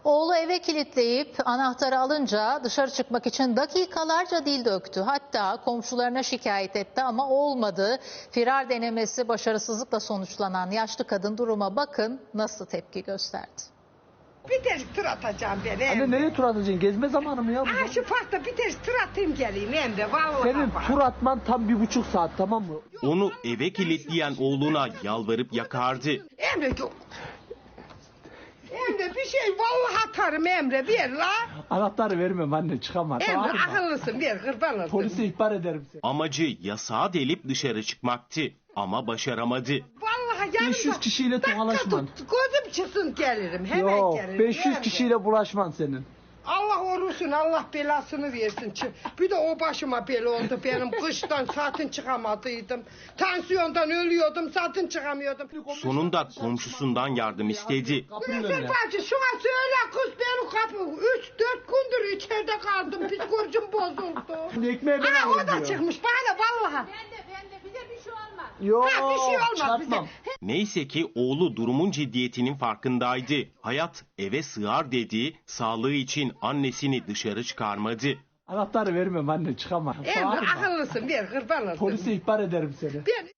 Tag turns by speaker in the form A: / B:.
A: Oğlu eve kilitleyip anahtarı alınca dışarı çıkmak için dakikalarca dil döktü. Hatta komşularına şikayet etti ama olmadı. Firar denemesi başarısızlıkla sonuçlanan yaşlı kadın duruma bakın nasıl tepki gösterdi.
B: Bir de tur atacağım ben Emre.
C: Anne nereye tur atacaksın? Gezme zamanı mı ya bu?
B: Aha şu parkta bir de tur atayım geleyim Emre. Vallahi
C: Senin
B: bak.
C: tur atman tam 1,5 saat, tamam mı?
D: Onu eve kilitleyen oğluna yalvarıp yakardı.
B: Emre yok. Emre bir şey vallahi atarım Emre ver la.
C: Anahtarı vermem anne, çıkamaz.
B: Emre
C: Bağırma.
B: akıllısın ver kurban olsun.
C: Polise ihbar ederim seni.
D: Amacı yasağı delip dışarı çıkmaktı ama başaramadı.
B: Vallahi yarın
C: 500
B: bak,
C: kişiyle
B: dakika
C: tokalaşman.
B: tut, gözüm çıksın gelirim hemen
C: Yok,
B: gelirim.
C: 500
B: Emre.
C: kişiyle bulaşman senin.
B: Allah orusun, Allah belasını versin. Bir de o başıma bela oldu benim. Kıştan zaten çıkamadıydım. Tansiyondan ölüyordum, zaten çıkamıyordum.
D: Sonunda komşusundan yardım istedi.
C: Kapının
B: Güzel
C: önüne.
B: bacı şuna söyle kız benim kapı. 3-4 gündür içeride kaldım. Psikolojim bozuldu.
C: Ekmeği ben
B: Ana o
C: alayım
B: da
C: diyor.
B: çıkmış bana vallahi.
E: Ben de bize bir şey olmaz.
C: Yok,
B: Ha, bir şey olmaz
C: çarpmam.
B: bize.
D: Neyse ki oğlu durumun ciddiyetinin farkındaydı. Hayat eve sığar dedi, sağlığı için annesini dışarı çıkarmadı.
C: Anahtarı vermem anne, çıkamaz.
B: Emre
C: Bağırma.
B: akıllısın ver kurban olsun.
C: Polise ihbar ederim seni.
B: Ben